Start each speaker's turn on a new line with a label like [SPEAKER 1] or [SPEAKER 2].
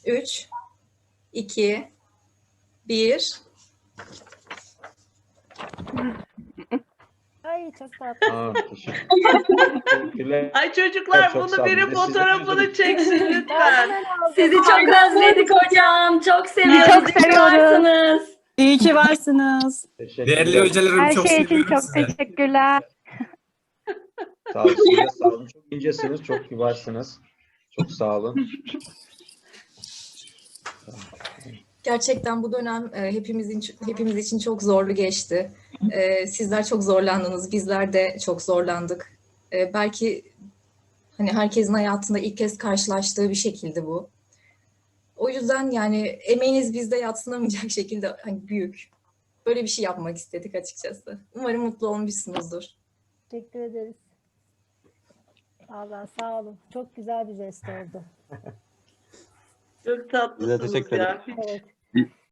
[SPEAKER 1] 3, 2, 1.
[SPEAKER 2] Ay çok tatlı.
[SPEAKER 3] Aa, teşekkürler.
[SPEAKER 4] Ay çocuklar
[SPEAKER 3] Çok sağ
[SPEAKER 4] bunu
[SPEAKER 3] olun.
[SPEAKER 4] biri
[SPEAKER 3] Biz de sizi
[SPEAKER 4] fotoğrafını
[SPEAKER 3] özledik.
[SPEAKER 4] çeksin
[SPEAKER 2] Ben
[SPEAKER 4] lütfen.
[SPEAKER 2] hemen aldım.
[SPEAKER 5] Sizi çok özledik hocam. Çok seviyoruz.
[SPEAKER 6] çok
[SPEAKER 5] İyi ki
[SPEAKER 6] seviyoruz.
[SPEAKER 5] varsınız.
[SPEAKER 6] İyi ki varsınız.
[SPEAKER 3] Teşekkürler.
[SPEAKER 7] Değerli hocalarım
[SPEAKER 6] Her
[SPEAKER 7] çok
[SPEAKER 6] şey için
[SPEAKER 7] seviyorum
[SPEAKER 6] çok
[SPEAKER 7] sizi.
[SPEAKER 6] teşekkürler.
[SPEAKER 3] Sağ olun. Siz de sağ olun. Çok incesiniz, çok kibarsınız. Çok sağ olun.
[SPEAKER 1] Gerçekten bu dönem hepimiz için çok zorlu geçti. Sizler çok zorlandınız, bizler de çok zorlandık. Belki hani herkesin hayatında ilk kez karşılaştığı bir şekilde bu. O yüzden yani emeğiniz bizde yadsınamayacak şekilde hani büyük. Böyle bir şey yapmak istedik açıkçası. Umarım mutlu olmuşsunuzdur.
[SPEAKER 2] Teşekkür ederiz. Vallahi sağ olun. Çok güzel bir jest oldu.
[SPEAKER 4] Çok tatlısınız
[SPEAKER 8] teşekkür
[SPEAKER 4] ya.
[SPEAKER 2] Evet.